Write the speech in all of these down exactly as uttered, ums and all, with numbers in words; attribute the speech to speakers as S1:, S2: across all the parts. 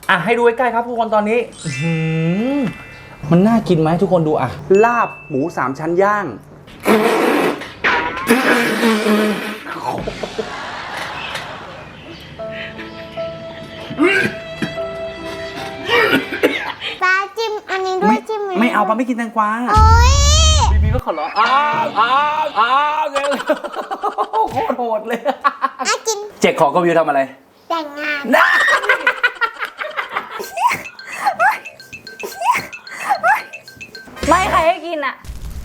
S1: อ่ะให้ดูใกล้ๆครับทุกคนตอนนี้มันน่ากินไหมทุกคนดูอ่ะลาบหมูสามชั้นย่าง
S2: ปลาจิ้มอันนี้ด้วยจิ้ม
S1: ไม่เอาปลาไม่กินแตงกวา
S2: โอ้ย
S1: บีบีก็ขอร้องอ้าวอ้าวอ้าวเลยโคตรโหดเลย
S2: อ่ะกิน
S1: เจ๊ขอกวิวทำอะไร
S2: แต่งงาน
S3: ไม่ใครให้กินอ่ะ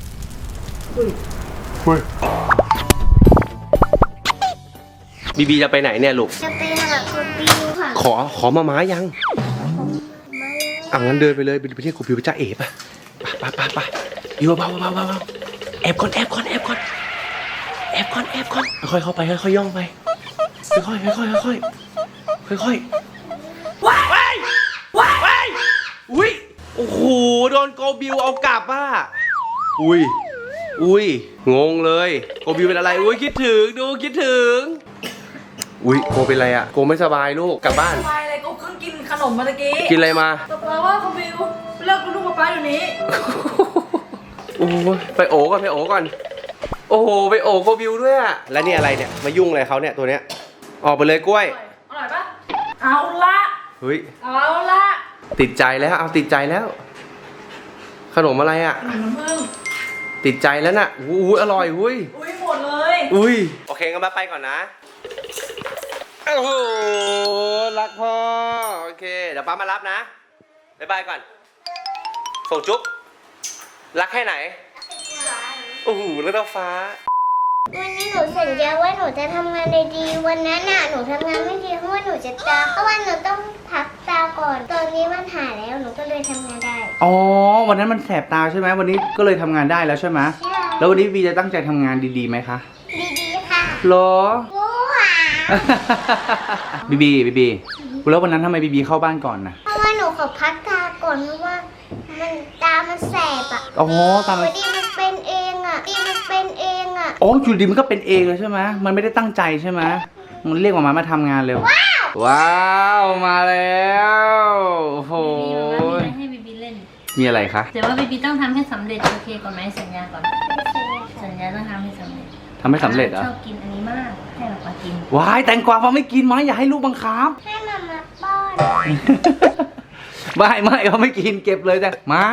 S4: บีบีจะไปไหนเนี่ยลูก
S2: จะไปหาคุณบิวค่ะ
S4: ขอขอมาม้ายังอ่ะงั้นเดินไปเลยไปที่คุณบิวจ้าเอ๋ป่ะไปไปไปอยู่เบาเบาเบาเบาแอบก่อนแอบก่อนแอบก่อนแอบก่อนแอบก่อนค่อยเข้าไปค่อยย่องไปค่อยค่อยค่อยค่อยค่อยค่อยว้ายว้ายว้ายอุ้ยโอ้โหโดนโกบิวเอากลับอ่ะอุ้ยอุ้ยงงเลยโกบิวเป็นอะไรอุ้ยคิดถึงดูคิดถึงอุ้ยโกเป็นอะไรอ่ะโกไม่สบายลูกกลับบ้าน
S3: สบายเลยกูเพิ่งกินขนมมาตะกี้
S4: กินอะไรมา
S3: แปลว่าเขาบิวเลิกกับลูกกับป้าอยู่นี้
S4: โอ้ยไปโอก่อนไปโอก่อนโอ้โหไปโอโกบิวด้วยอ่ะแล้วนี่อะไรเนี่ยมายุ่งอะไรเขาเนี่ยตัวเนี้ยออกไปเลยกล้วย
S3: อร่อยปะเอาละ
S4: เฮ้ย
S3: เอาละ
S4: ติดใจแล้วเอาติดใจแล้วขนมอะไรอ่ะ
S3: ขนมน้ำผึ้ง
S4: ติดใจแล้วน่ะอุ้ยอร่อยอุ้ย
S3: อุ้ยหมดเลย
S4: อุ้ยโอเคงั้นมาไปก่อนนะโอ้โหรักพ่อโอเคเดี๋ยวป้ามารับนะบ๊ายบายก่อนส่งจุ๊บรักแค่ไหนโอ้โหแล้วต้าฟ้า
S2: วันนี้หนูสัญญาว่าหนูจะทำงานดีๆวันนั้นน่ะหนูทำงานไม่ดีเพราะว่าหนูจะตาเพราะว่าหนูต้องพักตาก่อนตอนนี้มันหายแล้วหนูก็เลยทำงานได้
S1: อ๋อวันนั้นมันแสบตาใช่ไหมวันนี้ก็เลยทำงานได้แล้วใช่ไหม
S2: ใช่
S1: แล้ววันนี้บีจะตั้งใจทำงานดีๆไหมคะ
S2: ดีๆค่ะ
S1: หรอ
S2: ว้า
S1: บีบีบีบีแล้ววันนั้นทำไมบีบีเข้าบ้านก่อนนะ
S2: เพราะว่าหนูขอพักตาก่อนเพราะว่ามันตามันแสบอ่ะ
S1: อ๋อตา
S2: มันดีมันเป็นเองอ่ะดีมันเป็นเองอ่ะ
S1: อ๋ออยู่ดีมันก็เป็นเองเลยใช่ไหมมันไม่ได้ตั้งใจใช่ไหมมันเรียกมามามาทำงานเร็วว้าวว้าวมาแล้วโอ้โห
S3: ให้บีบีเล่น
S1: มีอะไรคะ
S3: แต่ว่าบีบีต้องทำให้สำเร็จโอเคก่อนไหมสัญญาก่อนสัญญาต้องทำให้สำเร็จ
S1: ทำให้สำเร็จเหรอ
S3: ชอบกินอันนี้มากให้เรามากิน
S1: ว้ายแตงกวาฟ้าไม่กินมั้ยอย่าให้ลูกบังคับ
S2: ให้มามาป้อน
S1: ไม่ไม่เขาไม่กินเก็บเลยแต่ม้า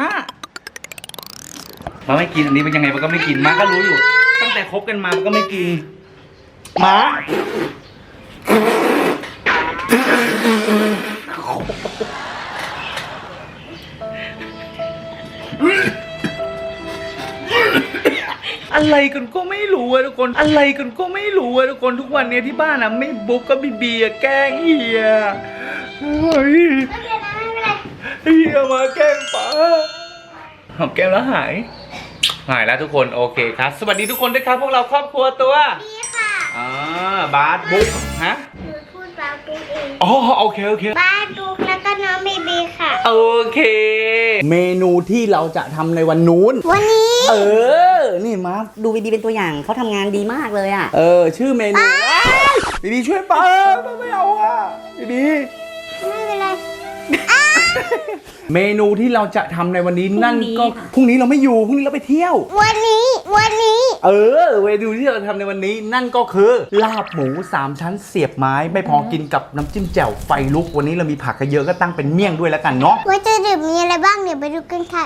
S1: ม้าไม่กินอันนี้เป็นยังไงมันก็ไม่กินม้าก็รู้อยู่ตั้งแต่คบกันมามันก็ไม่กินม้าอะไรกันก็ไม่รู้อะทุกคนอะไรกันก็ไม่รู้อะทุกคนทุกวันนี้ที่บ้านอะไม่บุ๊กก็บีบีแกล้งเฮียเฮ้ยเฮียมาแกล้งป้าหอมแก้มแล้วหายหายแล้วทุกคนโอเคครับสวัสดีทุกคนด้วยครับพวกเราครอบครัวตัว
S2: ดีค่ะ
S1: อ่าบาสบุ๊กฮะ
S2: พูดบาสบุ๊กเอง
S1: อ๋อโอเคโอเค
S2: บาสบุ๊กแล้วก็น้องบีบีค่ะ
S1: โอเคเมนูที่เราจะทำในวันนู้น
S2: วันนี้
S1: เออนี่มา
S5: ดูบีบีเป็นตัวอย่างเขาทำงานดีมากเลยอ่ะ
S1: เออชื่อเมนูบีบีช่วยป้าไม่เอาอ่ะบีบี
S2: ไม่เป็นไร
S1: เมนูที่เราจะทำในวันนี้นั่นก็พรุ่งนี้เราไม่อยู่พรุ่งนี้เราไปเที่ยว
S2: วันนี้วันนี้
S1: เออเมนูที่เราทำในวันนี้นั่นก็คือลาบหมูสามชั้นเสียบไม้ไม่พอกินกับน้ำจิ้มแจ่วไฟลุกวันนี้เรามีผักเยอะก็ตั้งเป็นเมี่ยงด้วยแล้วกันเนาะ
S2: ว่าจะดื่มมีอะไรบ้างเดี๋ยวไปดูกันค่ะ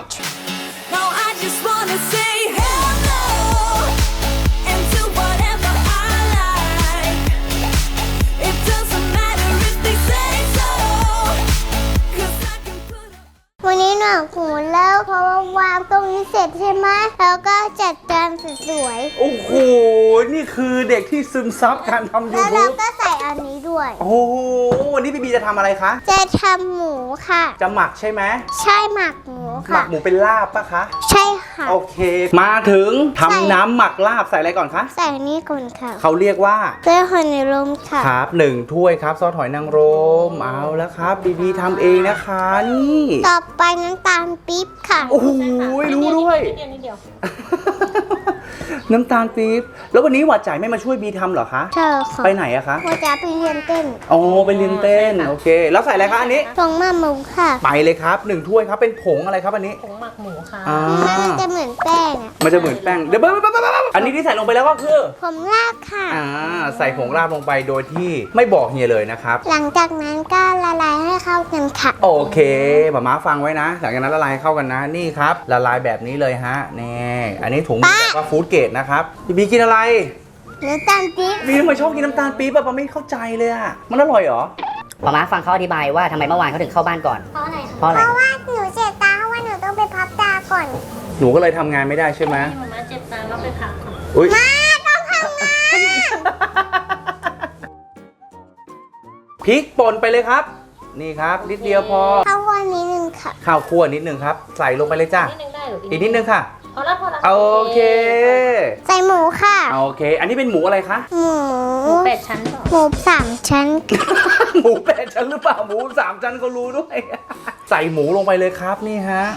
S2: วันนี้หนูหูแล้วเพราะว่าวางตรงนี้เสร็จใช่ไหมแล้วก็จัดจานสวย
S1: ๆโอ้โหนี่คือเด็กที่ซึมซับการทำยูทูบ
S2: แล้วเราก็ใส่อันนี้ด้วย
S1: โอ้โหวันนี้บีบีจะทำอะไรคะ
S2: จะทำหมูค่ะ
S1: จะหมักใช่ไหม
S2: ใช่หมักหมูค่ะ
S1: หมักหมูเป็นลาบปะคะ
S2: ใช่ค่ะ
S1: โอเคมาถึงทำน้ำหมักลาบใส่อะไรก่อนคะ
S2: ใส่นี่ก่อนค่ะ
S1: เขาเรียกว่า
S2: ซอสหอยนางรมค่ะ
S1: ครับหนึ่งถ้วยครับซอสหอยนางรมเอาแล้วครับบีบีทำเองนะคะนี่
S2: ต่อไปน้ำตาลปี๊บค่ะ
S1: โอ้โหรู้ด้วยน้ำตาลปี๊บแล้ววันนี้หวาดจ่ายไม่มาช่วยบีทำเหรอคะ
S2: เธอค่ะ
S1: ไปไหนอะคะ
S2: ว่าจะไปเรียนเต้น
S1: อ๋อไปเรียนเต้นโอเค แล้วใส่อะไรคะอันนี้
S2: ตรงมาหมูค่ะ
S1: ไปเลยครับหนึ่งถ้วยครับเป็นผงอะไรครับอันนี้
S3: ผงหมักหมูค่ะ
S1: อ่า
S2: มันจะเหมือนแป้งอะ
S1: มันจะเหมือนแป้งเดี๋ยวเบิ้ลอันนี้ที่ใส่ลงไปแล้วก็คือ
S2: ผมลากค่ะ
S1: อ่าใส่ผงราบลงไปโดยที่ไม่บอกเฮียเลยนะครับ
S2: หลังจากนั้นก็ละลายให้เข้ากันค่ะ
S1: โอเคหมาม้าฟังไว้นะ หลังจากนั้นละลายเข้ากันนะนี่ครับละลายแบบนี้เลยฮะนี่อันนี้ถุงแบบว่าฟู้ดเกรดนะครับบีบีกินอะไร
S2: น้ำตาลปี๊บ
S1: บีทำไมชอบกินน้ำตาลปี๊บอะปะไม่เข้าใจเลยอะมันอร่อยเหรอ
S5: หมอม้าฟังเขาอธิบายว่าทำไมเมื่อวานเขาถึงเข้าบ้านก่อน
S2: เพราะอะไรคะ
S5: เพราะอะไร
S2: เพราะว่าหนูเจ็บตาเพราะว่าหนูต้องไปพับตาก่อน
S1: หนูก็เลยทำงานไม่ได้ใช่ไหม
S3: ให้มาม่าเจ็บตาแล้วไปพักค่ะ
S1: อุ้ย
S2: มาต้องทำงาน
S1: พริกป่นไปเลยครับ นี่ครับนิดเดียวพอ
S2: เข้าวันนี้หนึ่งค่ะ
S1: ข้าวคั่วนิดนึงครับใส่ลงไปเลยจ้า
S3: นิดนึงได้หรือ
S1: อีกนิดนึงค่ะ
S3: พอแล้วพอแล้ว
S1: โอเค
S2: ใส่หมูค่ะ
S1: โอเค อันนี้เป็นหมูอะไรคะ
S2: หมู
S3: หมูเป็ดชั้นสอง
S2: หมูสามชั้น
S1: หมูแปดชั้นหรือเปล่าหมูสามชั้นก็รู้ด้วย ใส่หมูลงไปเลยครับนี่ฮะ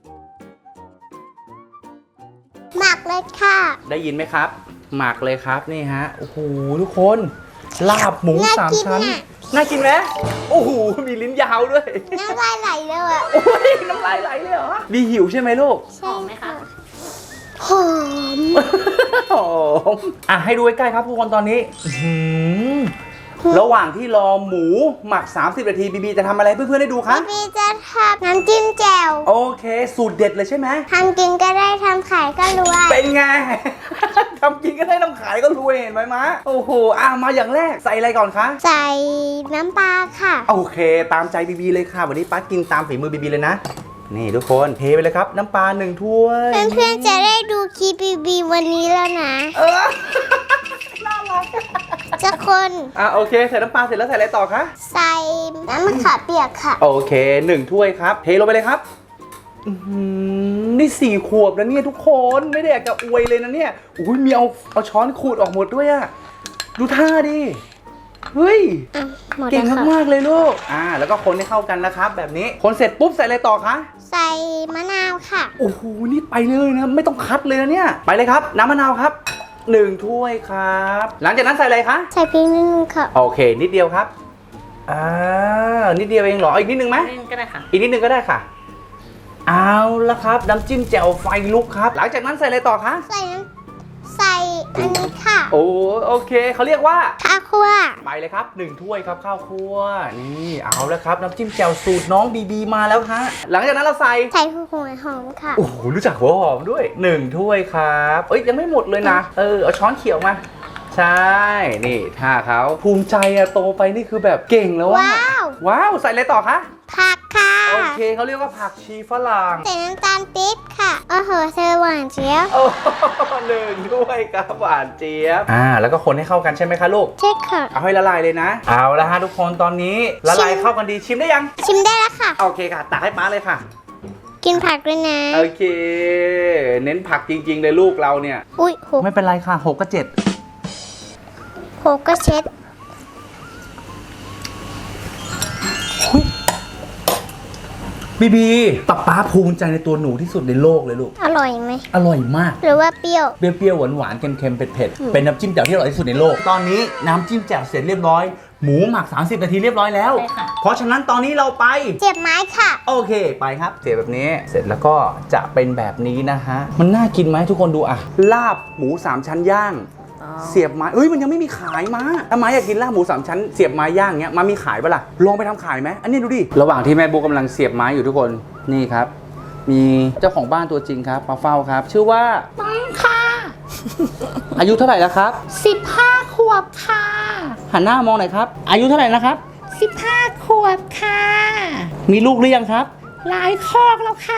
S2: หมักเลยค่ะ
S1: ได้ยินไหมครับ หมักเลยครับนี่ฮะ โอ้โหทุกคน ลาบหมู
S2: น่า
S1: สาม
S2: กิน
S1: ชั้น
S2: น่ะ
S1: น่ากินไหมโอ้โห มีลิ้นยาวด้วย
S2: น้ำลายไหลเลยอ่ะ
S1: โอ้ยน้ำลายไหลเลยเหรอมีหิวใช่ไหมลูก
S3: หอมไหมคะ
S2: หอม
S1: หอมอ่ะให้ดูใกล้ๆครับทุกคนตอนนี้อื้อหือระหว่างที่รอหมูหมัก สามสิบ นาทีบีบีจะทำอะไรให้เพื่อนๆได้ดูคะ
S2: พี่บีจะทำน้ำจิ้มแจ่ว
S1: โอเค สูตรเด็ดเลยใช่ไหม
S2: ทำกินก็ได้ทำขายก็รวย
S1: เป็นไง ทำกินก็ได้น้ำขายก็รวยเห็นไหมมะโอ้โหอ่ะมาอย่างแรกใส่อะไรก่อนคะ
S2: ใส่น้ำปลาค่ะ
S1: โอเค ตามใจบีบีเลยค่ะ วันนี้ป้ากินตามฝีมือบีบีเลยนะ นี่ทุกคนเทไปเลยครับ น้ำปลาหนึ่งถ้วย
S2: เพื่อนๆจะได้ดูคลิปบีบีวันนี้แล้วนะ
S1: เออ น่ารัก
S2: จะคน
S1: อ่ะโอเคใส่น้ำปลาเสร็จแล้วใส่อะไรต่อคะ
S2: ใส่น้ำมะขามเปียกค่ะ
S1: โอเคหนึ่งถ้วยครับเทลงไปเลยครับอื้อหือนี่สี่ขวบแล้วเนี่ยทุกคนไม่ได้อยากจะอวยเลยนะเนี่ยอุ้ยมีเอาเอาช้อนขูดออกหมดด้วยอะดูท่าดิเฮ้ย
S2: อ่ะหมด
S1: เก่ง
S2: แล้วค่ะ
S1: มากๆเลยลูกอ่าแล้วก็คนให้เข้ากันนะครับ แบบนี้คนเสร็จปุ๊บใส่อะไรต่อคะ
S2: ใส่มะนาวค่ะ
S1: โอ้โหนี่ไปเลยนะไม่ต้องคัดเลยนะเนี่ยไปเลยครับน้ำมะนาวครับหนึ่งถ้วยครับ หลังจากนั้นใส่อะไรคะ
S2: ใส่พริกนิดนึงค่ะ
S1: โอเค นิดเดียวครับอ่านิดเดียวเองเหรออีกนิดนึงไหม
S3: นิดนึงก็ได้ค่ะ
S1: อีกนิดนึงก็ได้ค่ะ เอาละครับน้ำจิ้มแจ่วไฟลุกครับ หลังจากนั้นใส่อะไรต่อคะ
S2: ใส่น้ำใส่อันนี้ค่ะ
S1: โอ้โอเคเขาเรียกว่า
S2: ข้าวคั่ว
S1: ไปเลยครับหนึ่งถ้วยครับข้าวคั่วนี่เอาแล้วครับน้ำจิ้มแจ่วสูตรน้องบีบีมาแล้วฮะหลังจากนั้นเราใส่
S2: ใส่หัวหอมค่ะ
S1: โอ้โหรู้จักหัวหอมด้วยหนึ่งถ้วยครับเอ้ยยังไม่หมดเลยนะเออเอาช้อนเขียวมาใช่นี่ท่าเขาภูมิใจอะโตไปนี่คือแบบเก่งแล้วอะ
S2: ว้าว
S1: ว้าวใส่อะไรต่อคะ
S2: ผักค่ะ
S1: โอเคเขาเรียกว่าผักชีฝรั่ง
S2: ใส่น้ำตาลปี๊บค่ะ โอ้โหเธอหวานเจี๊ยบ
S1: โอ้หนึ่งด้วยครับหวานเจี๊ยบอ่าแล้วก็คนให้เข้ากันใช่ไหมคะลูก
S2: ใช่ค่ะ
S1: เอาให้ละลายเลยนะ เอาละฮะทุกคนตอนนี้ละลายเข้ากันดีชิมได้ยัง
S2: ชิมได้แล้วค่ะ
S1: โอเคค่ะตักให้ป้าเลยค่ะ
S2: กินผักด้วยนะ
S1: โอเค เน้นผักจริงๆเลยลูกเราเนี่ย
S2: อุ้ยหก
S1: ไม่เป็นไรค่ะหกกับเจ็ด
S2: หกก็เช็ด
S1: บีบีป๊าป๊าภูมิใจในตัวหนูที่สุดในโลกเลยลูก
S2: อร่อยไหม
S1: อร่อยมาก
S2: หรือว่าเปรี้ยว
S1: เปรี้ยวๆหวานๆเค็มๆเผ็ดๆเป็นน้ำจิ้มแจ่วที่อร่อยที่สุดในโลก ตอนนี้น้ำจิ้มแจ่วเสร็จเรียบร้อย หมูหมักสามสิบนาทีเรียบร้อยแล้ว
S3: ใช่ค่ะ
S1: เพราะฉะนั้นตอนนี้เราไป
S2: เจ็บไม้ค่ะ
S1: โอเคไปครับเสียบแบบนี้เสร็จแล้วก็จะเป็นแบบนี้นะฮะมันน่ากินไหมทุกคนดูอ่ะลาบหมูสามชั้นย่าง เสียบไม้เอ้ยมันยังไม่มีขายมาถ้าไม้อยากกินลาบหมูสามชั้นเสียบไม้ย่างเงี้ยมามีขายปะล่ะลองไปทำขายไหมอันนี้ดูดิระหว่างที่แม่บุ๊กกำลังเสียบไม้อยู่ทุกคนนี่ครับ มีเจ้าของบ้านตัวจริงครับมาเฝ้าครับ ชื่อว่า
S6: ปังค่ะ
S1: อายุเท่าไหร่แล้วครับ
S6: สิบห้าขวบค่ะ
S1: หันหน้ามองหน่อยครับอายุเท่าไหร่นะครับ
S6: สิบห้าขวบค่ะ
S1: มีลูกหรือยังครับ
S6: หลายคอกแล้วค่ะ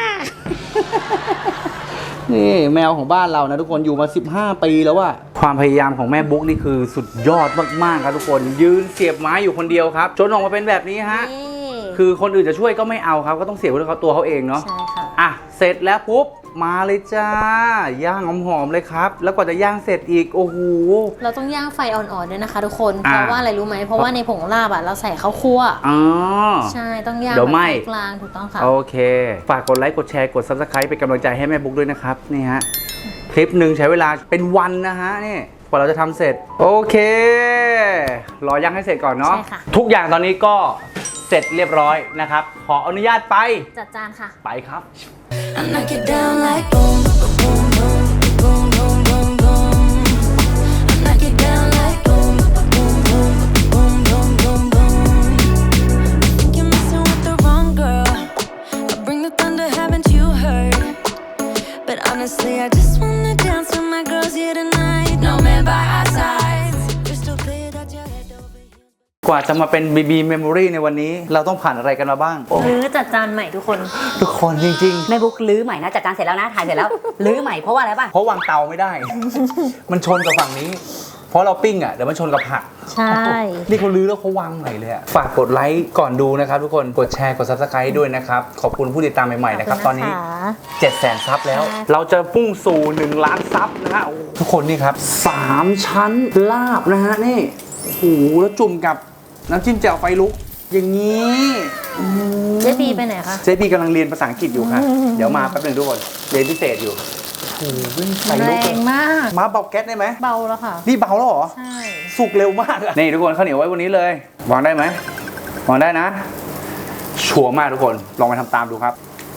S1: นี่แมวของบ้านเรานะทุกคนอยู่มาสิบห้าปีแล้วอะความพยายามของแม่บุ๊กนี่คือสุดยอดมากๆครับทุกคนยืนเสียบไม้อยู่คนเดียวครับจนออกมาเป็นแบบนี้ฮะ
S3: นี่
S1: คือคนอื่นจะช่วยก็ไม่เอาครับก็ต้องเสียบด้วยเขาตัวเขาเองเนาะ
S3: ใช่ค่ะ
S1: อ่ะเสร็จแล้วปุ๊บมาเลยจ้าย่างหอมๆเลยครับแล้วกว่าจะย่างเสร็จอีกโอ้โห
S3: เราต้องย่างไฟอ่อนๆด้วยนะคะทุกคน
S1: อ่า
S3: เพราะว่าอะไรรู้ไหมเพราะว่าในผงลาบอ่ะเราใส่ข้าวคั่ว
S1: อ๋อ
S3: ใช่ต้องย่าง
S1: เดี๋ยวไหม้
S3: แบบไฟกลางถูกต้องค่ะ
S1: โอเค ฝากกดไลค์กดแชร์กด ซับสไครบ์เป็นกำลังใจให้แม่บุ๊กด้วยนะครับนี่ฮะคลิปหนึ่งใช้เวลาเป็นวันนะฮะนี่กว่าเราจะทำเสร็จโอเครอยังให้เสร็จก่อนเนาะ
S3: ใช่ค่ะ
S1: ทุกอย่างตอนนี้ก็เสร็จเรียบร้อยนะครับขออนุญาตไป
S3: จัดจานค่ะ
S1: ไปครับ
S7: I knock it down like boom, boom, boom, boom, boom, boom, boom. I knock it down like boom, boom, boom, boom, boom, boom, boom. I think you're messing with the wrong girl. I bring the thunder, haven't you heard? But honestly, I just wanna dance with my girls here tonight. No man by our sides. Crystal clear that you're head over heels.
S1: กว่าจะมาเป็น บี บี Memory ในวันนี้เราต้องผ่านอะไรกันมาบ้าง
S3: หรือจัดจานใหม่ทุกคน
S1: ทุกคนจริง
S5: แม่บุ๊กลื้อใหม่นะจัดการเสร็จแล้วนะถ่ายเสร็จแล้วลื้อใหม่เพราะว่าอะไรป่ะ
S1: ๆ เพราะวางเตาไม่ได้ มันชนกับฝั่งนี้ เพราะเราปิ้งอ่ะเดี๋ยวมันชนกับผัก
S3: ใช่
S1: นี่เขาลื้อแล้วเขาวางใหม่เลยอะฝากกดไลค์ก่อนดูนะครับทุกคนกดแชร์กด Subscribe ด้วยนะครับขอบคุณผู้ติดตามใหม่ๆนะครับตอนนี้ เจ็ดแสนซับแล้ว เราจะพุ่งสู่หนึ่งล้านซับนะฮะโอ้ทุกคนนี่ครับสามชั้นลาบนะฮะนี่โอ้โหแล้วจุ่มกับน้ำจิ้มแจ่วไฟลุกอย่างนี้อื้อหือ
S3: เจ๊บีไปไหนคะ
S1: เจบีกำลังเรียนภาษาอังกฤษอยู่ค่ะ เดี๋ยวมาแป๊บหนึงทุกคนเรียนพิเศษอยู่โอ้โหไฟ
S3: แร
S1: ลุกเลย
S3: งมาก
S1: มาเบาแก๊สได้ไหม
S3: เบาแล้วค่ะ
S1: นี่เบาแล้วเหรอ
S3: ใช่
S1: สุกเร็วมากอะนี่ทุกคนข้าวเหนียวไว้วันนี้เลยวางได้ไหมวางได้นะ ชัวร์มากทุกคนลองไปทำตามดูครับ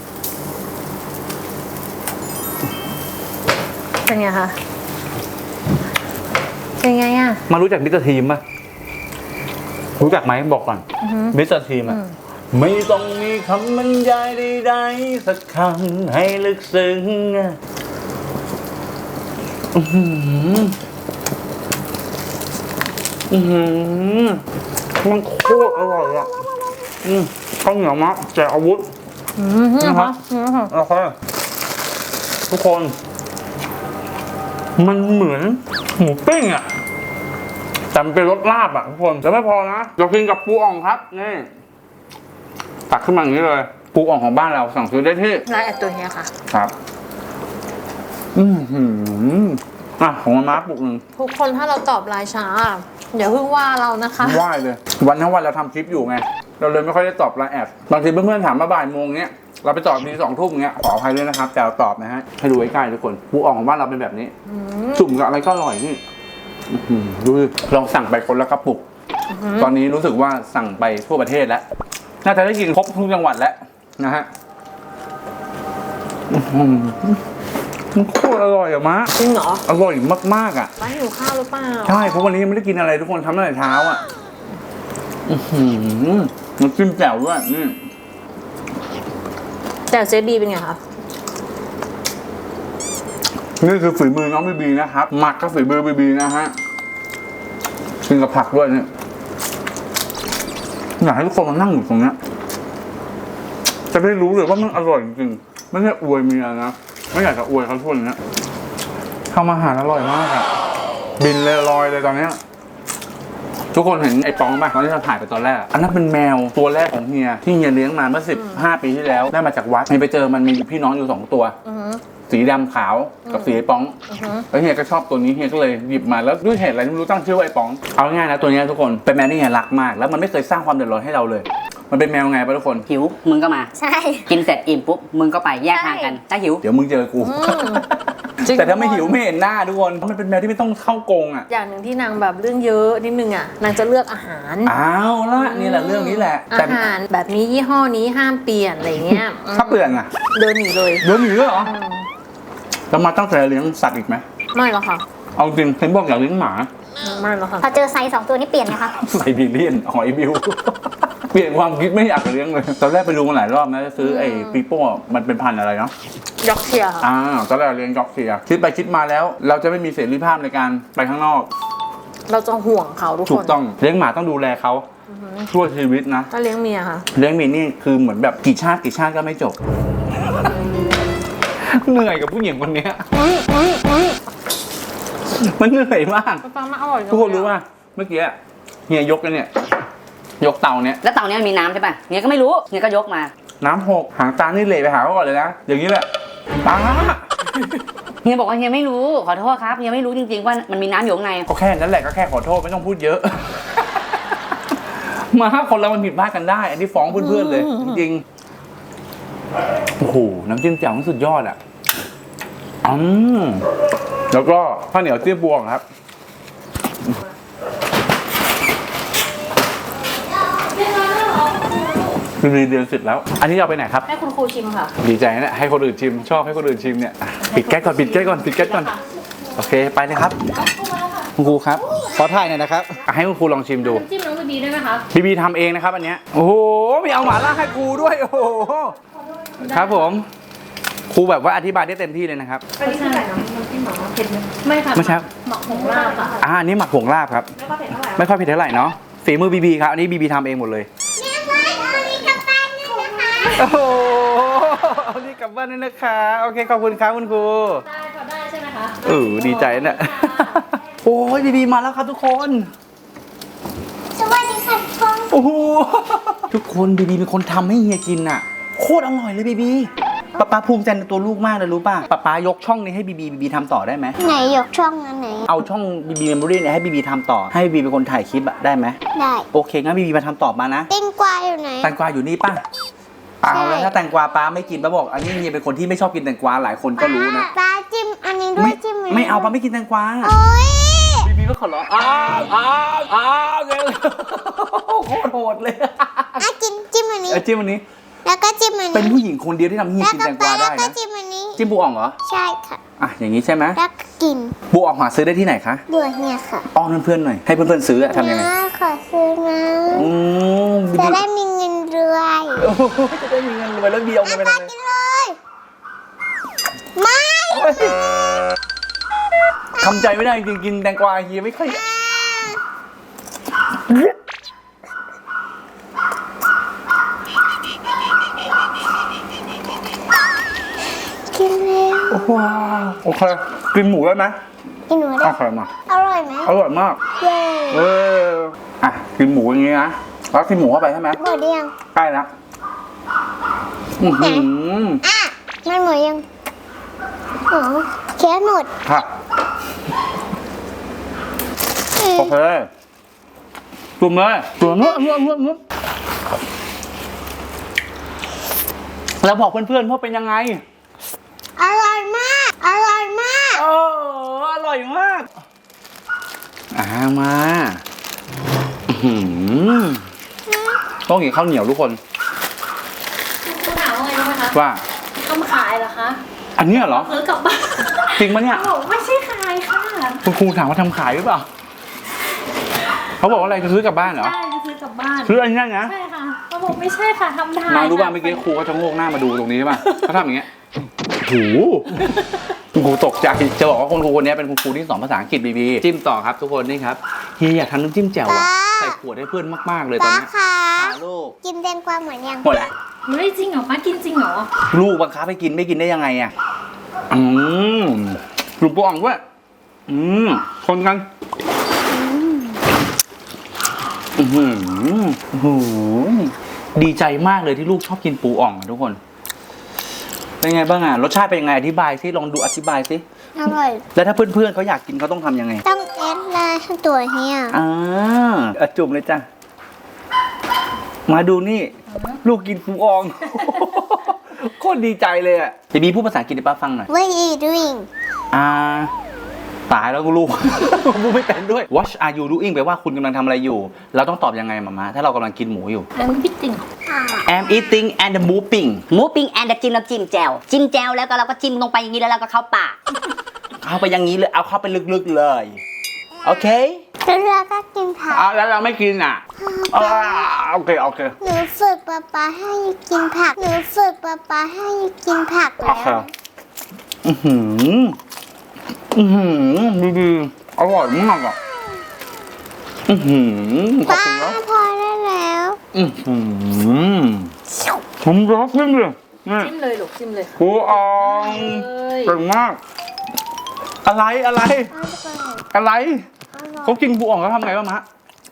S3: เป็นไงคะ เป็นไงอ่ะ
S1: มารู้จักมิสเตอร์ทีมป่ะรู้จักไหมบอกก่อนมิสเตอร์ทีมอะไม่ต้องมีคำบรรยายใดๆสักคำให้ลึกซึ้งอะอื้อหืออื้อหือมันโคตรอร่อยอ่ะอืมข้าวเหนียวมะแจกอาวุธ
S3: อืมนี่
S1: นะค
S3: คะ
S1: รับ
S3: นี่ค่ะ
S1: โอเคทุกคน มันเหมือนหมูปิ้งอ่ะแต่มันเป็นรสลาบอ่ะทุกคนแต่ไม่พอนะเรากินกับปูอ่องครับนี่ตักขึ้นมาอย่างนี้เลย ปูอ่องของบ้านเราสั่งซื้อได้ที่
S3: ร้านแอดตัวเฮียค่ะ
S1: ครับ อือหืออ่ะของมาม่าปุกหนึ่ง
S3: ทุกคนถ้าเราตอบไลน์ช้าอย่าเพิ่งว่าเรานะคะ
S1: ไหว้เลย วันทั้งวันเราทำคลิปอยู่ไง เราเลยไม่ค่อยได้ตอบไลน์แอดบางทีเพื่อนๆถามมาบ่ายโมงเนี้ยเราไปตอบทีสองทุ่มเงี้ยขออภัยด้วยนะครับแต่เราตอบนะฮะให้ดูใกล้ๆทุกคนปูอ่องของบ้านเราเป็นแบบนี้จุ่มกับอะไรก็อร่อยนี่อื้อหือดูดิลองสั่งไปคนละกระปุก ตอนนี้รู้สึกว่าสั่งไปทั่วประเทศแล้วน่าจะได้กินครบทุกจังหวัดแล้วนะฮะอื้อหือมันโคตรอร่อยอะมะ
S3: จริงเหรอ
S1: อร่อยมากๆอ่ะ
S3: ร้านหิวข้าวหรือเปล่า
S1: ใช่เพราะวันนี้ยังไม่ได้กินอะไรทุกคนทำตั้งแต่เช้าอ่ะอื้อหือมันจิ้มแจ่วด้วยนี่
S3: แต่เจ๊บีเป็นไงคะ
S1: นี่คือฝีมือน้องบีบีนะครับหมักกับฝีมือบีบีนะฮะกินกับผักด้วยเนี่ยอยากให้ทุกคนมานั่งอยู่ตรงเนี้ยจะได้รู้เลยว่ามันอร่อยจริงๆไม่ใช่อวยเมียนะไม่อยากจะอวยเขาทุกคนเนี้ยทำอาหารอร่อยมากอ่ะบินเลยลอยเลยตอนเนี้ยทุกคนเห็นไอ้ปองป่ะตอนที่เราถ่ายไปตอนแรกอันนั้นเป็นแมวตัวแรกของเฮียที่เฮียเลี้ยงมาเมื่อสิบห้าปีที่แล้วได้มาจากวัดเฮียไปเจอมันมีพี่น้องอยู่สองตัว
S3: อือหือ
S1: สีดำขาวกับสีไอ้ป๋อง
S3: อือหือ
S1: แล้วเฮียก็ชอบตัวนี้เฮียก็เลยหยิบมาแล้วด้วยเหตุอะไรไม่รู้ตั้งชื่อว่าไอ้ป๋องเอาง่ายๆนะตัวเนี้ยทุกคนเป็นแมวที่เฮียรักมากแล้วมันไม่เคยสร้างความเดือดร้อนให้เราเลย มันเป็นแมวไงปะทุกคน
S5: หิวมึงก็มา
S2: ใช่
S5: กินเสร็จอิ่มปุ๊บมึงก็ไปแยกทางกันถ้าหิว
S1: เดี๋ยวมึงเจอกู
S3: จริง
S1: แต่ถ้าไม่หิวไม่เห็นหน้าทุกคนมันเป็นแมวที่ไม่ต้องเข้ากรงอ่ะ
S3: อย่างหนึ่งที่นางแบบเรื่องเยอะนิดนึงอ่ะนางจะเลือกอาหาร
S1: อ้าวละนี่แหละเรื่องนี้แหละแต่
S3: อาหารแบบนี้ยี่ห้อนี้ห้ามเปลี่ยนอะไรเงี้ย
S1: ถ้าเปลี่ยนอ่ะ
S3: เดินหนีเลย
S1: เดี๋ยวหนีเลยเหรอจะมาตั้งใจเลี้ยงสัตว์อีกไหม
S3: ไม่หรอกค่ะ
S1: เอาจริงเห็นบอกอยากเลี้ยงหมา
S3: ไม่หรอกค่ะ
S2: พอเจอไซส์สองตัวนี้เปลี่ยนนะคะ
S1: ไซบีเรียนหอยบิว เปลี่ยนความคิดไม่อยากเลี้ยงเลยตอนแรกไปดูมาหลายรอบนะจะซื้อไอ้ปีโป้มันเป็นพันธุ์อะไรเนาะ
S3: ยอกเชียร์ค่ะ
S1: อ่าตอนแรกเลี้ยงจ็อกเซียคิดไปคิดมาแล้ว เราจะไม่มีเสรีภาพในการไปข้างนอก
S3: เราจะห่วงเขาทุกคน
S1: ถูกต้องเลี้ยงหมาต้องดูแลเขาช่วยชีวิตนะ
S3: ถ้าเลี้ยงเมียค่ะ
S1: เลี้ยงหมีนี่คือเหมือนแบบกี่ชาติกี่ชาติก็ไม่จบ เหนื่อยกับผู้หญิงคนเนี้ยมันเหนื่อยมาก
S3: ปลามาอร่อยจัง
S1: ทุกคนรู้ป่ะเมื่อกี้เฮียยกกันเนี่ย ยกเตาเนี่ย
S5: แล้วเตาเนี้ยมันมีน้ำใช่ป่ะเฮียก็ไม่รู้เฮียก็ยกมา
S1: น้ำหกหางตานี่เหลไปหาเขาก่อนเลยนะอย่างนี้แหละตา
S5: เฮียบอกว่าเฮียไม่รู้ขอโทษครับเฮียไม่รู้จริงๆว่ามันมีน้ำอยู่ข้างใน
S1: ก็แค่นั้นแหละก็แค่ขอโทษไม่ต้องพูดเยอะ มาคนเรามันผิดพลาดกันได้ อันนี้ฟ้องเพื่อนๆเลย จริงๆโอ้โหน้ำจิ้มแจ่วมันสุดยอดอ่ะอืมแล้วก็ข้าวเหนียวเจี๊ยบวงครับคือเรียนเสร็จแล้ว อันนี้เอาไปไหนครับ
S3: ให้คุณครูชิมค่ะ
S1: ดีใจนะให้คนอื่นชิมชอบให้คนอื่นชิมเนี่ยอ่ะปิดแก๊สก่อนปิดแก๊สก่อนปิดแก๊สก่อนโอเคไปเลยครับคุณครูครับขอถ่ายหน่อยนะครับอ่ะให้คุณครูลองชิมดู
S3: น้ำจิ้มน้องบีบีได้ไหมคะ
S1: บีบีทำเองนะครับอันเนี้ยโอ้โหมีเอาหม่าล่าให้ครูด้วยโอ้โหครับผมครูแบบว่าอธิบายได้เต็มที่เลยนะครับ
S3: อันนี้คืออะไรน้ำจิ้มหรอเผ็ดไหมไม่ค่ะ
S1: ไม่ใช่
S3: หมักผงลาบค่ะ
S1: อ่าอันนี้หมักผงลาบครับไม่ค่อยเผ็ดเท่าไหร่เนาะฝีมือบีบีครับอันนี้บีบีทำเองหมดเลย
S2: แม่ว่าเอานี้กลับบ้านด้วยนะคะ
S1: โอ้โหเอานี่กลับบ้านด้วยนะคะโอเคขอบคุณครับคุณครู
S3: ได้พอได้ใช่ไหมคะ
S1: เออดีใจน่ะโอ้ยบีบีมาแล้วครับทุกคน
S2: สวัสดีค่ะทุกคน
S1: โอ้โหทุกคนบีบีเป็นคนทำให้เฮียกินน่ะโคตรอร่อยเลยบีบีป๊าป๊าภูมิใจในตัวลูกมากเลยรู้ป่ะป๊าป๊ายกช่องนี้ให้บีบีบีบีทำต่อได้ไหม
S2: ไหนยกช่องอันไหน
S1: เอาช่องบีบีเมมโมรี่เนี่ยให้บีบีทำต่อให้บีบีเป็นคนถ่ายคลิปอะได้ไหม
S2: ได้
S1: โอเคงั้นบีบีมาทำต่อมานะ
S2: เต้นกวายอยู่ไหน
S1: แตงกวาอยู่นี่ป่ะเอาแล้วถ้าแตงกวาป้าไม่กินป้าบอก อันนี้เฮียเป็นคนที่ไม่ชอบกินแตงกวาหลายคนก็รู้นะ
S2: ปลาจิ้มอันนี้ด้ว
S1: ไม่
S2: ยจิ้มนนี้
S1: ไม่เอาป้าไม่กินแตงกวา
S2: โอ๊ย
S1: บีบีก็ขอร้องอ้าวอ้าวอ้าวเงี้ยโคตรโหดเลย
S2: อ่ะจิ้มจิ้มอันนี้
S1: เออจิ้มอันนี้
S2: แล้วก็จิ้มอันนี้
S1: เป็นผู้หญิงคนเดียวที่ทำให้เฮีย
S2: แล้ว
S1: กิน
S2: ก็
S1: แตง
S2: ป
S1: ก
S2: ลาว
S1: า
S2: แล้ว
S1: ได้
S2: ก็
S1: นะ
S2: จิ้มอันนี้
S1: จิ้มปูอ่องเหรอ
S2: ใช่ค่ะ
S1: อ่ะอย่างนี้ใช่ไหม
S2: แล้วก็กิน
S1: ปูอ่องหาซื้อได้ที่ไหนคะ
S2: บัวเนี่ยค่ะ
S1: อ้อนเพื่อนๆหน่อยให้เพื่อนๆซื้ออะทำยังไง
S2: นะขอซื้อนะ
S1: อืมบี
S2: จะ
S1: บี
S2: ได้มีเงินรวย
S1: โอ้โหจะได้มีเงินรวยแล้วบีเอาเงินไป
S2: ปลา
S1: ทำอะไร
S2: กินเลยไม่
S1: ทำใจไม่ได้จริงๆกินแตงกวาเฮียไม่ค่อย
S2: กินแล้ว
S1: ว้าวโอเคกินหมูได้ไหม
S2: กินหนู
S1: โอ
S2: ได้
S1: เคมา
S2: อร่อยไหม
S1: อร่อยมาก
S2: เย้
S1: เอออ่ะกินหมูอย่างงี้นะแล้วกินหมูเข้าไปใช่ไหม
S2: หมดยัง
S1: ใกล้แล้วอื้อหือ
S2: อ่ะมันหมดยังอ๋อเคี้ยวหมด
S1: ค่ะโอเคจุ่มเลยจุ่มเนื้อเนื้อเนื้อเนื้อแล้วบอกเพื่อนๆว่าเป็นยังไง
S2: อร่อยมาก อร่อยมาก
S1: เอออร่อยมากอ่ามาอื้อหือต้องกินข้าวเหนียวทุกคน
S3: คุณถามว่าไงรู้ไหมคะ
S1: ว่า
S3: ทำขายเหรอคะ
S1: อันเนี้ยเหรอ
S3: ซื้อกลับบ้าน
S1: จริงปะเนี่ย
S3: บอกไม่ใช่ขายค่ะ
S1: คุณครูถามว่าทำขายหรือเปล่าเขาบอกว่าอะไรจะซื้อกลับบ้านเหรอ
S3: ใช่จะซื้อกลับบ้าน
S1: ซื้ออันนี้นะ
S3: ใช่ค่ะเขาบอกไม่ใช่ค่ะทำทาน
S1: มารู้ป่ะเมื่อกี้ครูก็จะโงกหน้ามาดูตรงนี้ใช่ป่ะเขาทำอย่างเงี้ยโหคุณครูตกใจจะบอกว่าคุณครูคนนี้เป็นคุณครูที่สอนภาษาอังกฤษบีบีจิ้มต่อครับทุกคนนี่ครับเฮียอยากทำน้ำจิ้มแจ่วอะใส่ขวดให้เพื่อนมากๆเลยตอน
S2: ป้า
S1: เนี้ย
S2: คะ
S1: หาลูก
S2: กินแตงกวาหมดยัง
S1: หมดแล้ว
S3: เฮ้ยจริงเหรอป้ากินจริงเหรอ
S1: ลูกบังคับให้กินไม่กินได้ยังไงอ่ะอืมลูกปูอ่องด้วยอืมคนกันอือหืออื้อหือดีใจมากเลยที่ลูกชอบกินปูอ่องอะทุกคนเป็นไงบ้างอ่ะรสชาติเป็นยังไงอธิบายสิลองดูอธิบายสิ
S2: อร่อย
S1: แล้วถ้าเพื่อนๆเขาอยากกินเขาต้องทำยังไง
S2: ต้องแอดไลน์ตัวเฮีย
S1: อ่าอ่ะจุ่มเลยจ้ะมาดูนี่ ลูกกินปูอ่อง โคตรดีใจเลยอ่ะจะมีพูดภาษาอังกฤษให้ป้าฟังหน่อย
S2: What are you doing
S1: อ่าตายแล้วกูลูก พูดไม่เป็นด้วย What are you doing แปลว่าคุณกำลังทำอะไรอยู่ เราต้องตอบยังไงมามาถ้าเรากำลังกินหมูอยู่
S3: อันพี่ติ่ง
S1: I'm eating and moving
S5: หมูปิ้งแอนด์จิ้มน้ำจิ้มแจ่วจิ้มแจ่วแล้วก็เราก็จิ้มลงไปอย่างนี้แล้วเราก็เข้าปาก
S1: เอาไปอย่างนี้เลยเอาเข้าไปลึกๆเลย โอเค
S2: แล้วเราก็กินผัก
S1: อ่าแล้วเราไม่กินอ่ะอ่าโอเคโอเค
S2: หนูฝึกป๊าป๊าให้กินผัก หนูฝึกป๊าป๊าให้กินผัก
S1: โอ
S2: แล้
S1: เคว อือหืออือหือดีดีอร่อยมากอ่ะอือหือขอบ
S2: ป้า
S1: คุณนะ
S2: พอได้แล้ว
S1: อือหือผมรักยิ่งเลยนี่
S3: จิ้มเลยลูกจิ้มเลยค่ะ
S1: ปูอ่อง
S3: เอ้ย
S1: เก่งมาก อะไรอะไร อะไรเขากินปูอ่องเขาทำไงบ้างมะ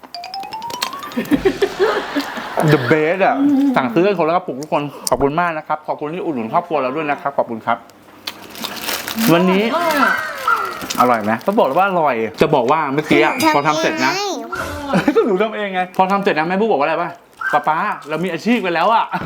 S1: The best อ่ะสั่งซื้อกันคนละกระปุกทุกคนขอบคุณมากนะครับขอบคุณที่อุดหนุนครอบครัวเราด้วยนะครับขอบคุณครับ วันนี้
S3: อร่อยอะ
S1: อร่อยไหมก็บอกเลยว่าอร่อย จะบอกว่าเมื่อกี้อ่ะพอทำเสร็จนะ ก็หนูทำเองไง พอทำเสร็จนะแม่บุ๊กบอกว่าอะไรป่ะป๊าป๊าเรามีอาชีพกันแล้วอ่ะ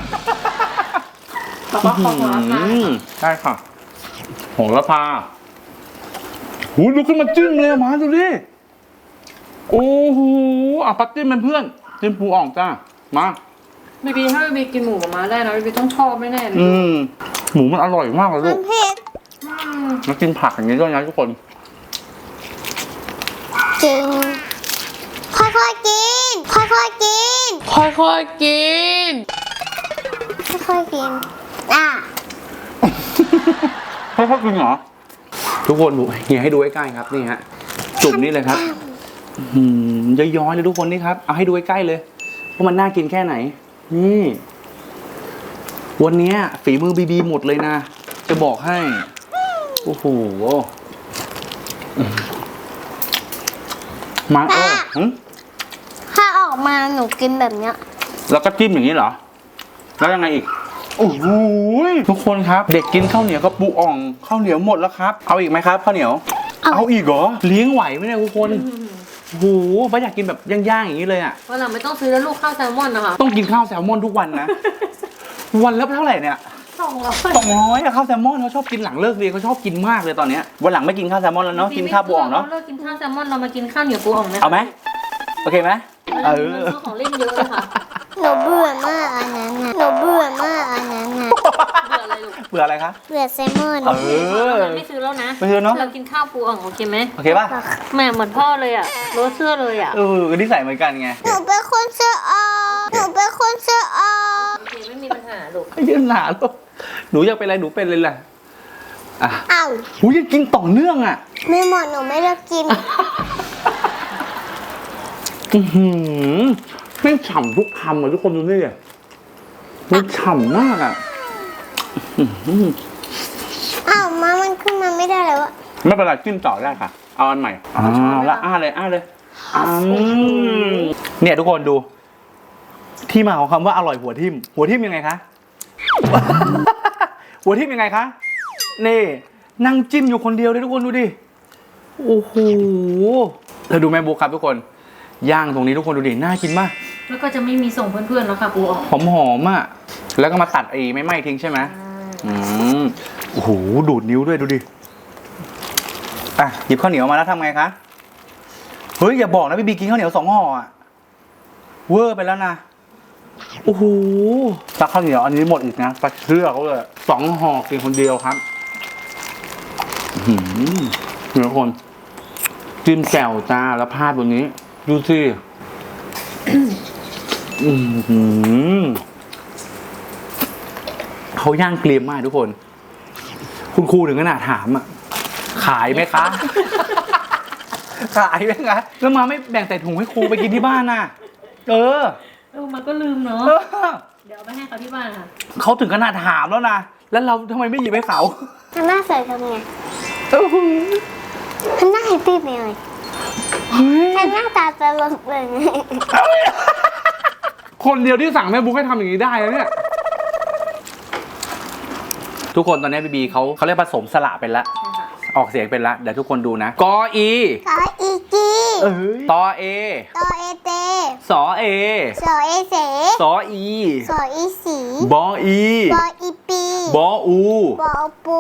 S3: แล้วก็ขอหัวละพา
S1: อืมได้ค่ะโหระพาหูดูขึ้นมาจิ้มเลยอะมาดูดิโอ้โหอ่ะปัดจิ้มเป็นเพื่อนจิ้มปูอ่องจ้ามา
S3: บีบีถ้าบีบีกินหมูกับม้าได้นะบีบีต้องชอบแน่ๆเลย
S1: อืมหมูมันอร่อยมากเลย
S2: มั
S1: ลู
S2: น
S1: ก
S2: เผ็ด
S1: มากินผักอย่างนี้ด้วยนะทุกคน
S2: จริงค่อยๆกินค่อยๆกิน
S3: ค่อยๆกิน
S2: ค่อยๆกินอ่ะ
S1: ค่อยๆกินเหรอทุกคนดูเฮียให้ดูใกล้ๆครับนี่ฮะจุ่มนี่เลยครับอืมย้อยๆเลยทุกคนนี่ครับเอาให้ดูใกล้ๆเลยว่ามันน่ากินแค่ไหนนี่วันนี้ฝีมือบีบีหมดเลยนะจะบอกให้โอ้โหมาเออหึ
S2: ถ้าออกมาหนูกินแบบเนี้ย
S1: แล้วก็จิ้มอย่างนี้เหรอแล้วยังไงอีกโอ้โหทุกคนครับ เด็กกินข้าวเหนียวกับปูอ่องข้าวเหนียวหมดแล้วครับเอาอีกไหมครับข้าวเหนียวเอาอีกเหรอเลี้ยงไหวไหมเนี่ยทุกคนโอ้โหป้าอยากกินแบบย่างๆอย่างนี้เลยอ่ะ
S3: วันหลังไม่ต้องซื้อแล้วลูกข้าวแซลมอนนะคะ
S1: ต้องกินข้าวแซลมอนทุกวันนะ วันละเท่าไหร่เนี่ย
S3: สองร้อย
S1: สองร้อยอะข้าวแซลมอนเขาชอบกินหลังเลิกเรียนเขาชอบกินมากเลยตอนเนี้ยวันหลังไม่กินข้าวแซลมอนแล้วเนาะกินข้าวปูอ่องเนาะ
S3: เลิกกินข้าวแซลมอนเรามากินข้าวเหนียวปูอ่องนะ
S1: เอาไหมโอเคไหมเออ
S3: ซื้อของเล่นเยอะเลยค่ะ
S2: หนูเบื่อมากอันนั้นน่ะหนูเบื่อมากอันนั้นน่ะ
S3: เบื่ออะไรลูก
S1: เบื่ออะไรคะ
S2: เบื่อแซลมอน
S1: เออ
S3: ไม่ซื้อแล้วนะ
S1: ไม่ซื้อเนอะ
S3: เรากินข้าวปูอ่องโอเคไหม
S1: โอเคป่ะ
S3: แหม่เหมือนพ่อเลยอ่ะรถเสื้อเลยอ่ะ
S1: เออนิสัยเหมือนกันไง
S2: หนูเป็นคนเสื้อออกหนูเป็นคนเสื้อออก
S3: โอเคไม่มีปัญหาลูก
S1: ยืนหนาลูกหนูอยากเป็นอะไรหนูเป็นเลยแหละอ่ะ
S2: อ้าว
S1: หูยังกินต่อเนื่องอ่ะ
S2: ไม่หมดหนูไม่ได้กิน
S1: อือหือไม่ฉ่ำทุกคำอ่ะทุกคนดูนี่มันฉ่ำมากอ่ะอื้อหือ
S2: อ้าวมามันขึ้นมาไม่ได้แล้วอะ
S1: ไม่เป็นไรจิ้มต่อได้ค่ะ เอาอันใหม่อ้าวแล้วอ้าเลยอ้าเลยอืมเนี่ยทุกคนดู ที่มาของคำว่าอร่อยหัวทิ่มหัวทิ่มยังไงคะ หัวทิ่มยังไงคะนี่นั่งจิ้มอยู่คนเดียวเลยทุกคนดูดิโอ้โหแล้วดูแม่บุ๊คครับทุกคนย่างตรงนี้ทุกคนดูดิน่ากินมาก
S3: แล้วก็จะไม่มีส่งเพื่อนๆแล้วค่ะปูอ่อง
S1: หอมหอมๆอ่ะแล้วก็มาตัดไอ้ไม่ไหม้ทิ้งใช่ไหมอืมโอ้โหดูดนิ้วด้วยดูดิอ่ะหยิบข้าวเหนียวมาแล้วทำไงคะเฮ้ยอย่าบอกนะพี่บีกินข้าวเหนียวสองห่ออ่ะเวอร์ไปแล้วนะโอ้โหตักข้าวเหนียวอันนี้หมดอีกนะตักเชื่อเขาเลยสองห่อกินคนเดียวครับอื้อหือเดี๋ยวคนจิ้มแจ่วจ้าแล้วพาดบนนี้ดูสิอืมเขาย่างเกรียมมากทุกคน คุณครูถึงขนาดถามอ่ะ ขายไหมคะ ขายไหมคะ แล้วมาไม่แบ่งใส่ถุงให้ครูไปกินที่บ้านน่ะ เออ
S3: เออมันก็ลืมเนาะ
S1: เออ
S3: เดี๋ยวเอาไปให้เขาที่บ้านค่ะ
S1: เขาถึงขนาดถามแล้วนะ แล้วเราทำไมไม่หยิบให้เขา
S2: ทำหน้าใส่ทำไง
S1: โอ้โห
S2: ทำหน้าแฮปปี้ไปเลยทำหน้าตาตลกเลย
S1: คนเดียวที่สั่งแม่บุ๊กให้ทำอย่างนี้ได้แล้วเนี่ย ทุกคนตอนนี้บีบีเขาเขาเรียกผสมสระเป็นละ ออกเสียงเป็นละ เดี๋ยวทุกคนดูนะ กออี
S2: ขออีกี
S1: เอ้ยตอเอ
S2: ตอเอเต
S1: สอเอ
S2: สอเอเส
S1: สออี
S2: สออีสี
S1: บออี
S2: บออีปี
S1: บออู
S2: บอปู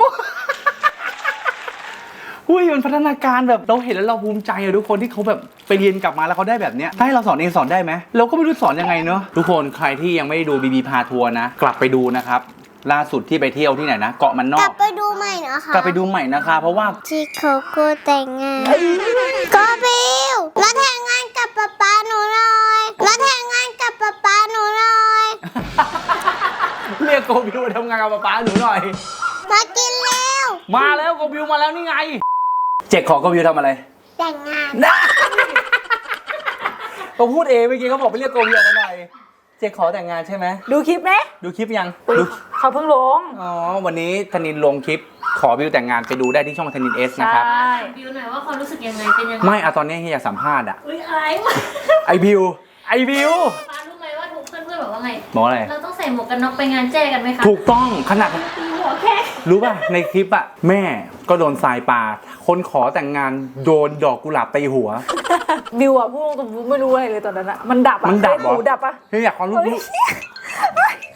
S1: อุ้ยมันพัฒนาการแบบเราเห็นแล้วเราภูมิใจอะทุกคนที่เขาแบบไปเรียนกลับมาแล้วเขาได้แบบเนี้ยถ้าให้เราสอนเองสอนได้ไหมเราก็ไม่รู้สอนยังไงเนอะทุกคนใครที่ยังไม่ได้ดูบีบีพาทัวร์นะ กลับไปดูนะครับล่าสุดที่ไปเที่ยวที่ไหนนะเกาะมันน
S2: ก
S1: อ
S2: ลั
S1: ก
S2: บไปดูใหม่นะคะ
S1: กลับไปดูใหม่นะคะเพราะว่า
S2: ที่เขาก็แต่งงานก็บิวมาแต่งงานกับป๊าป๊าหนูหน่อยมาแต่งงานกับป๊าป๊าหนูหน่อย
S1: เรียกโกบิวมาทำงานกับป๊าหนูหน่อย
S2: มากินแล้ว
S1: มาแล้วโกบิวมาแล้วนี่ไง เจ๊ขอโกบิวทำอะไร
S2: แต่งงาน
S1: นะเขาพูดเองเมื่อกี้เขาบอกไปเรียกโกบิวมาหน่อยเจ๊ขอแต่งงานใช่ไหม
S5: ดูคลิปไหม
S1: ดูคลิปยังดู
S5: เขาเพิ่งลง
S1: อ๋อวันนี้ธนินลงคลิปขอบิวแต่งงานไปดูได้ที่ช่องธนินเอสนะครับ
S3: บิวหน่อยว่าความรู้สึกยังไงเป็นยังไง
S1: ไม่อะตอนนี้เฮียอยากสัมภาษณ์อะ
S3: อุ้ยอะไรวะ
S1: ไอบิวไอบิว
S3: ฟ้ารู้ไหมว่าทุกเพื่อนๆบอกว่าไง
S1: บอกอะไร
S3: เราต้องใส่หมวกกันน็อกไปงานแจ้กันไหมคะ
S1: ถูกต้องขนาด
S3: ตีหัวแค่
S1: รู้ป่ะในคลิปอะแม่ก็โดนทรายปาคนขอแต่งงานโดนดอกกุหลาบตีหัว
S5: บิวอะพูดตรงๆไม่รู้อะไรเลยตอนนั้นอะมันดับอะ
S1: มันดับเหรอ
S5: หูดับอะ
S1: เฮียอยากความรู้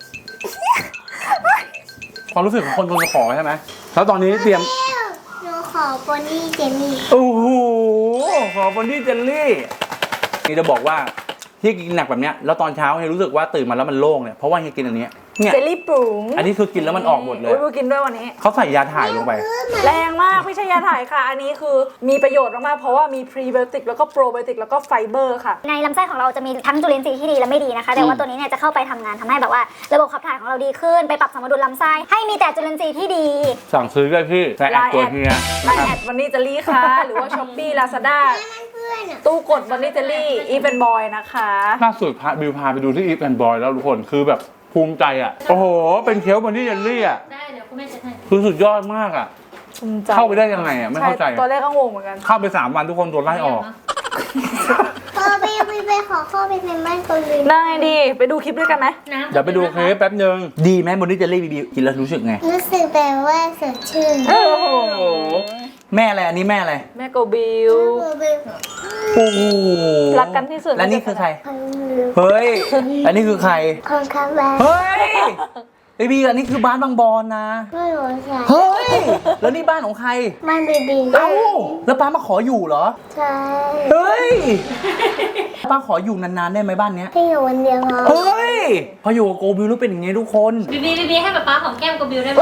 S1: ความรู้สึกของคนโดนขอใช่ไหมแล้วตอนนี้เตรียม
S2: หนูขขอปนนี่เจนนี่
S1: โอ้โหขอบอนดี้เจลลี่นี่จะบอกว่าที่กินหนักแบบเนี้ยแล้วตอนเช้าเฮียรู้สึกว่าตื่นมาแล้วมันโล่งเนี่ยเพราะว่าเฮียกินอันเนี้ยเนี่ย
S8: เจลลี่ปรุง
S1: อันนี้คือกินแล้วมันออกหมดเลย
S8: โอ้ยบูกินด้วยวันนี้
S1: เขาใส่ยาถ่ายลงไป
S8: แรงมากไม่ใช่ยาถ่ายค่ะ อันนี้คือมีประโยชน์มากๆเพราะว่ามีพรีไบโอติกแล้วก็โปรไบโอติกแล้วก็ไฟเบอร์ค่ะ
S2: ในลำไส้ของเราจะมีทั้งจุลินทรีย์ที่ดีและไม่ดีนะคะ แต่ว่าตัวนี้เนี่ยจะเข้าไปทำงานทำให้แบบว่าระบบขับถ่ายของเราดีขึ้นไปปรับสมดุลลำไส้ให้มีแต่จุลินทรีย์ที่ดี
S1: สั่งซื้อได้พี่ใส่แอดตัวเฮีย
S8: ไลน์แอดวันนี้เจลลี่ค่ะ หรือว่าช้อปปี้ลาซาด้าตู้กดวันนี้เจลลี่อีเป็นบอยนะคะ
S1: ล่าสุดพาบิวพาไปดูที่อีฟแอนด์บอยแล้วทุกคนคือแบบภูมิใจอ่ะโอ้โหเป็นเค้กบอนดี้เจลลี่อ่ะ
S3: ได้เดี๋ยวคุณแม่จะให้
S1: คือสุดยอดมากอ่ะ
S8: ภูมิใจ
S1: เข้าไปได้ยังไงอ่ะไม่เข้าใจ
S8: ตอนแรกก็งงเหมือนกัน
S1: เข้าไปสามวันทุกคนโดนไล่ออก
S2: พอไปไปไปขอเข้าไปในบ้านตัวลิน
S8: ได้ดีไปดูคลิปด้วยกันไหม
S3: น้ำ
S1: เดี๋ยวไปดูเค้กแป๊บนึงดีไหมบอนดี้เจลลี่บีบีกินแล้วรู้สึกไง
S2: รู้สึกแบบว่าสดชื่น
S8: โอ้โห
S1: แม่อะไรอันนี้แม่อะไร
S8: แม่โกบิว
S1: โอ้โห
S8: รักกันที่สุด
S1: และนี่คือใคร
S2: คนลืม
S1: เฮ้ยอันนี้คือใคร
S2: คนข้างบ้าน
S1: เฮ้ยไอบีอันนี้คือบ้านบางบอนนะ
S2: ไม่รู้ใช่
S1: เฮ้ยแล้วนี่บ้านของใคร
S2: มันบีบี
S1: เอ้าแล้วป้ามาขออยู่เหรอ
S2: ใช่
S1: เฮ้ยป้าขออยู่นานๆได้ไหมบ้านเนี้ย
S2: ที่อยู่วันเดียวพอ
S1: เฮ้ยพออยู่กับโกบิวรู้เป็นอย่างงี้ทุกคน
S3: บีบีบีบีให้ป๊าป๊าหอมแก้มกับบิวได้ไหม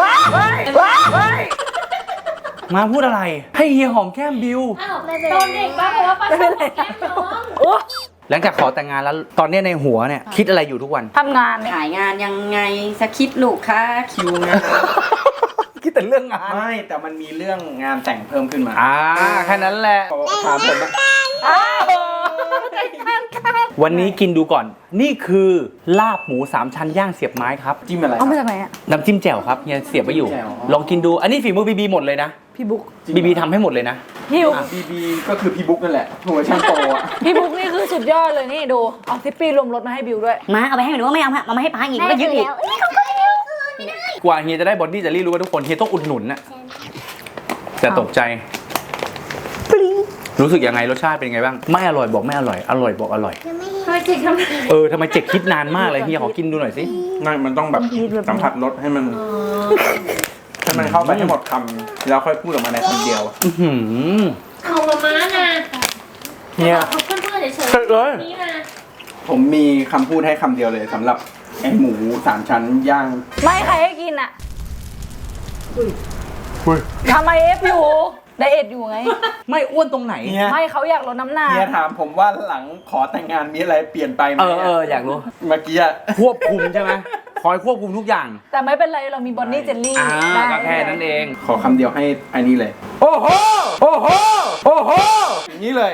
S1: มาพูดอะไร ให้เฮียหอมแก้มบิว
S3: อ้าวโดนเด็กป้าบอกว่าป้าชอบหอมแก้มน้อง
S1: หลังจากขอแต่งงานแล้วตอนเนี้ยในหัวเนี่ยคิดอะไรอยู่ทุกวัน
S8: ทำงานเนี่ย
S5: ขายงานยังไงสคริปต์ลูกค้าคิวงาน
S1: คิดแต่เรื่องงาน
S9: ไม่แต่มันมีเรื่องงานแต่งเพิ่มขึ้นมา
S1: อ่าแค่นั้นแหละ
S9: ถามผมว่า
S8: อ้าว
S1: วันนี้กินดูก่อน นี่คือลาบหมูสามชั้นย่างเสียบไม้ครับ
S9: จิ้มอะไร
S8: เอามาจากไหนอ่ะ
S1: น้ำจิ้มแจ่วครับเฮียเสียบไว้อยู่
S9: น้ำจิ้มแจ่ว
S1: ลองกินดู อันนี้ฝีมือบีบีหมดเลยนะ
S8: พี่บุ๊ก
S1: บีบีทำให้หมดเลยนะ
S8: พี่บุ๊ก
S9: บีบีก็คือพี่บุ๊กนั่นแหละหัวช่างโตอ่ะ
S8: พี่บุ๊กนี่คือสุดยอดเลยนี่ดูเอาทิปปี้รวมรถมาให้บิวด้วย
S5: มาเอาไปให้หนูว่าไม่เอาเอามาให้ป้าอีก
S2: แม่
S5: ก็ยึ
S2: คื
S5: ด
S2: อ
S5: อีก
S2: แล้วนี่ของคนเดียวคือไม่ได้
S1: กว่าเฮียจะได้บอดี้จะรีรู้ว่าทุกคนเฮียต้องอุดหนุนน่ะแต่ตกใจ รู้สึกยังไงรสชาติเป็นไงบ้าง ไม่อร่อยบอกไม่อร่อย อร่อยบอกอร่อย
S2: ยังไม่
S3: ทำไมจิกทำ
S1: เออทำไมเจ็กคิดนานมากเลยเฮียขอกินดูหน่อยสิ
S9: ไม่มันต้องแบบสัมผัสรสให้มันให้มันเข้าไปให้หมดคำแล้วค่อยพูดออกมาในคำเดียว
S1: อื้อหือ
S3: ของมาม่านะ
S9: เฮีย
S3: ขอบเพื่อนๆเฉย
S1: เสร็จเลย
S3: ๆนี่นะ
S9: ผมมีคำพูดให้คำเดียวเลยสำหรับไอหมูสามชั้นย่าง
S8: ไม่ใครให้กินอ่ะทำไมเอฟอยู่ไดเอทอยู่ไง
S1: ไม่อ้วนตรงไหน
S9: เฮีย
S8: ไม่เขาอยากลดน้ำหนัก
S9: เฮียถามผมว่าหลังขอแต่งงานมีอะไรเปลี่ยนไปไหม
S1: เออเอออยากรู้
S9: เมื่อกี้อะ
S1: ควบคุมใช่ไหมคอยควบคุมทุกอย่าง
S8: แต่ไม่เป็นไรเรามีบอนนี่เจลลี่
S1: อ่า
S8: ได้
S1: ก็แค่นั้นเอง
S9: ขอคำเดียวให้อันนี้เลย
S1: โอ้โห โอ้โห โอ้โห
S9: อย่างนี้เลย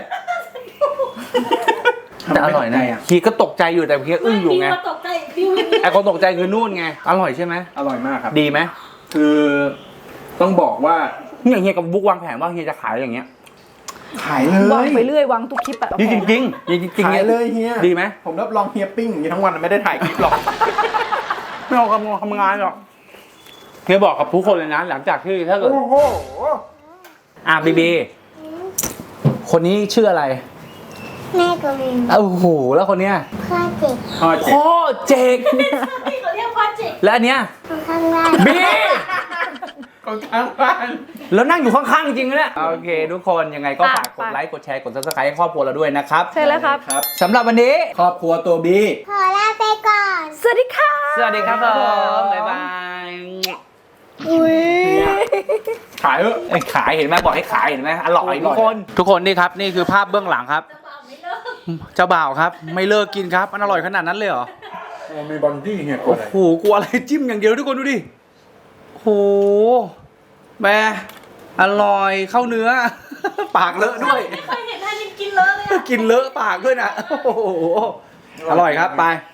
S1: แต่อร่อยนะ
S9: อ่ะ
S1: คีก็ตกใจอยู่แต่คีอึ้งอยู่ไง
S3: บิวตกใจบิวอย่างนี้
S1: ไอคนตกใจคือนู่นไง อร่อยใช่ไหม
S9: อร่อยมากครับ
S1: ดีไหม
S9: คือต้องบอกว่า
S1: เนี่ยเฮียกับบุ๊กวางแผนว่าเฮียจะขายอย่างเงี้ย
S9: ขายเล
S8: วาง
S9: ย
S8: ไปเรื่อยวางทุกคลิปอะ
S1: ดีจริงจริงๆจริงจริง
S9: ขายเลยเฮีย
S1: ดีไหม
S9: ผมรับรองเฮียปิ้งอย่างนี้ทั้งวันไม่ได้ถ่ายคลิปหรอก
S1: ไม่เอาทำงานทำงานหรอกเฮียบอกกับทุกคนเลยนะ หลังจากที่ถ้าเกิด
S9: โอ้โห
S1: อ่ะบีบี คนนี้ชื่ออะไร
S2: แม่ก็มี
S1: โอ้โห แล้วคนเนี้ย
S2: พ่อเจ็บ
S9: พ่อเจ็บ
S1: พ่อเจก
S3: ที่เขาเรียกว่าจิก
S1: และอันเนี้ย
S2: คนข้างล่าง
S1: บี
S9: คนข้างบ้าน
S1: แล้วนั่งอยู่ข้างๆจริงๆเนี่ยโอเค ทุกคนยังไงก็ฝากกดไลค์กดแชร์กด ซับสไครบ์ให้ครอบครัวเราด้วยนะครับ
S8: ใช่แล้วครับ
S9: ครับ
S1: สำหรับวันนี้
S9: ครอบครัวตัวบี
S2: ขอลาไปก่อน
S8: สวัสดีค่ะ
S1: สวัสดีครับผมบ๊ายบาย
S8: อุ้ย
S9: ขายเถอะ
S1: ไอ้ขายเห็นไหมบอกให้ขายเห็นไหมอร่อยทุกคน ทุกคนนี่ครับนี่คือภาพเบื้องหลังครับ เจ้าบ่าวครับ ไม่เลิกกินครับมันอร่อยขนาดนั้นเลยเหรอ
S9: มีบอนดี้เฮียก
S1: โอ้
S9: ดเลย
S1: โหกลัวอะไรจิ้มอย่างเดียวทุกคนดูดิโอ้โหแบอร่อยเข้าเนื้อ ปากเลอะด้วย
S3: ไม่เคยเห็นท่านินกินเลยเลยอะ
S1: กินเลอะปากด้วยนะโอ้โหอร่อยครับไป